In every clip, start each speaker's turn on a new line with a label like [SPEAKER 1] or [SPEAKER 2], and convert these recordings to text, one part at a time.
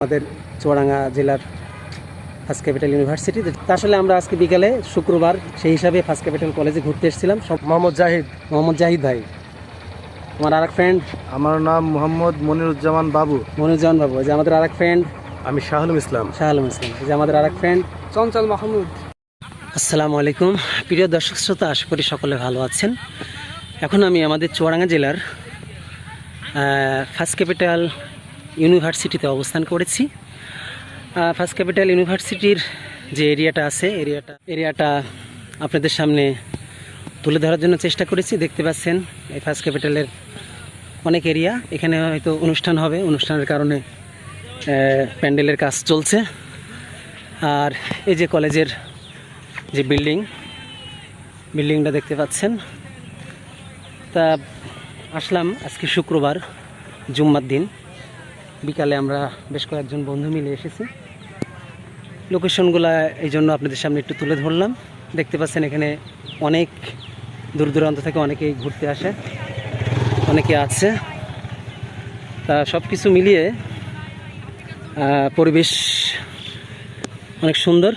[SPEAKER 1] আমাদের চুয়াডাঙ্গা জেলার first capital university. আসলে আমরা আজকে বিকালে শুক্রবার সেই হিসাবে ফার্স্ট ক্যাপিটাল কলেজে ঘুরতে এসেছিলাম। সব
[SPEAKER 2] মোহাম্মদ
[SPEAKER 1] জাহিদ ভাই, আমার আরেক ফ্রেন্ড।
[SPEAKER 2] আমার নাম মোহাম্মদ মনিরুজ্জামান বাবু।
[SPEAKER 1] যে আমাদের আরেক ফ্রেন্ড।
[SPEAKER 2] আমি শাহ আলম ইসলাম।
[SPEAKER 1] যে আমাদের আরেক ফ্রেন্ড
[SPEAKER 3] চঞ্চল মাহমুদ।
[SPEAKER 1] আসসালামু আলাইকুম প্রিয় দর্শক শ্রোতা, আশা করি সকলে ভালো আছেন। এখন আমি আমাদের চুয়াডাঙ্গা জেলার ফার্স্ট ক্যাপিটাল ইউনিভার্সিটিতে অবস্থান করেছি। ফার্স্ট ক্যাপিটাল ইউনিভার্সিটির যে এরিয়াটা আছে এরিয়াটা আপনাদের সামনে তুলে ধরার জন্য চেষ্টা করেছি। দেখতে পাচ্ছেন এই ফার্স্ট ক্যাপিটালের অনেক এরিয়া। এখানে হয়তো অনুষ্ঠান হবে, অনুষ্ঠানের কারণে প্যান্ডেলের কাজ চলছে। আর এই যে কলেজের যে বিল্ডিংটা দেখতে পাচ্ছেন। তা আসলাম আজকে শুক্রবার, জুম্মার দিন বিকালে আমরা বেশ কয়েকজন বন্ধু মিলে এসেছি। লোকেশনগুলো এই জন্য আপনাদের সামনে একটু তুলে ধরলাম। দেখতে পাচ্ছেন এখানে অনেক দূর দূরান্ত থেকে অনেকেই ঘুরতে আসে, অনেকে আছে। তা সব কিছু মিলিয়ে পরিবেশ অনেক সুন্দর।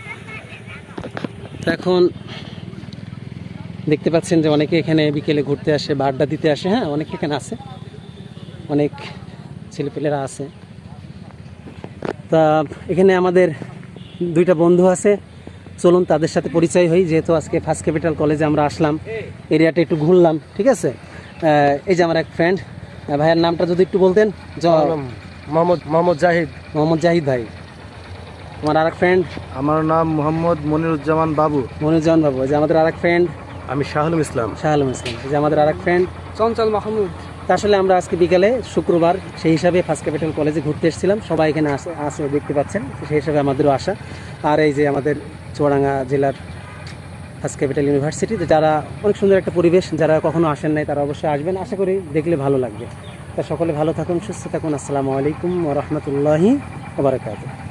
[SPEAKER 1] তো এখন দেখতে পাচ্ছেন যে অনেকে এখানে বিকেলে ঘুরতে আসে বা আড্ডা দিতে আসে। হ্যাঁ, অনেকে এখানে আছে, অনেক ছেলেপেলেরা আছে। তা এখানে আমাদের দুইটা বন্ধু আছে, চলুন তাদের সাথে পরিচয় হই। যেহেতু আজকে ফার্স্ট ক্যাপিটাল কলেজে আমরা আসলাম, এরিয়াটা একটু ঘুরলাম, ঠিক আছে। এই যে আমার এক ফ্রেন্ড, ভাইয়ের নামটা যদি একটু বলতেন।
[SPEAKER 2] মোহাম্মদ
[SPEAKER 1] জাহিদ ভাই। আমার আরেক ফ্রেন্ড।
[SPEAKER 2] আমার নাম মোহাম্মদ মনিরুজ্জামান বাবু।
[SPEAKER 1] যে আমাদের আরেক ফ্রেন্ড।
[SPEAKER 2] আমি শাহ আলম ইসলাম।
[SPEAKER 1] যে আমাদের আরেক ফ্রেন্ড
[SPEAKER 3] চঞ্চল মাহমুদ।
[SPEAKER 1] আসলে আমরা আজকে বিকালে শুক্রবার সেই হিসাবে ফার্স্ট ক্যাপিটাল কলেজে ঘুরতে এসেছিলাম। সবাই এখানে আসে দেখতে পাচ্ছেন, সেই হিসাবে আমাদেরও আসা। আর এই যে আমাদের চুয়াডাঙ্গা জেলার ফার্স্ট ক্যাপিটাল ইউনিভার্সিটি, যারা অনেক সুন্দর একটা পরিবেশ, যারা কখনো আসেন নাই তারা অবশ্যই আসবেন। আশা করি দেখলে ভালো লাগবে। তা সকলে ভালো থাকুন, সুস্থ থাকুন। আসসালামু আলাইকুম ওয়া রাহমাতুল্লাহি ওয়া বারাকাতুহু।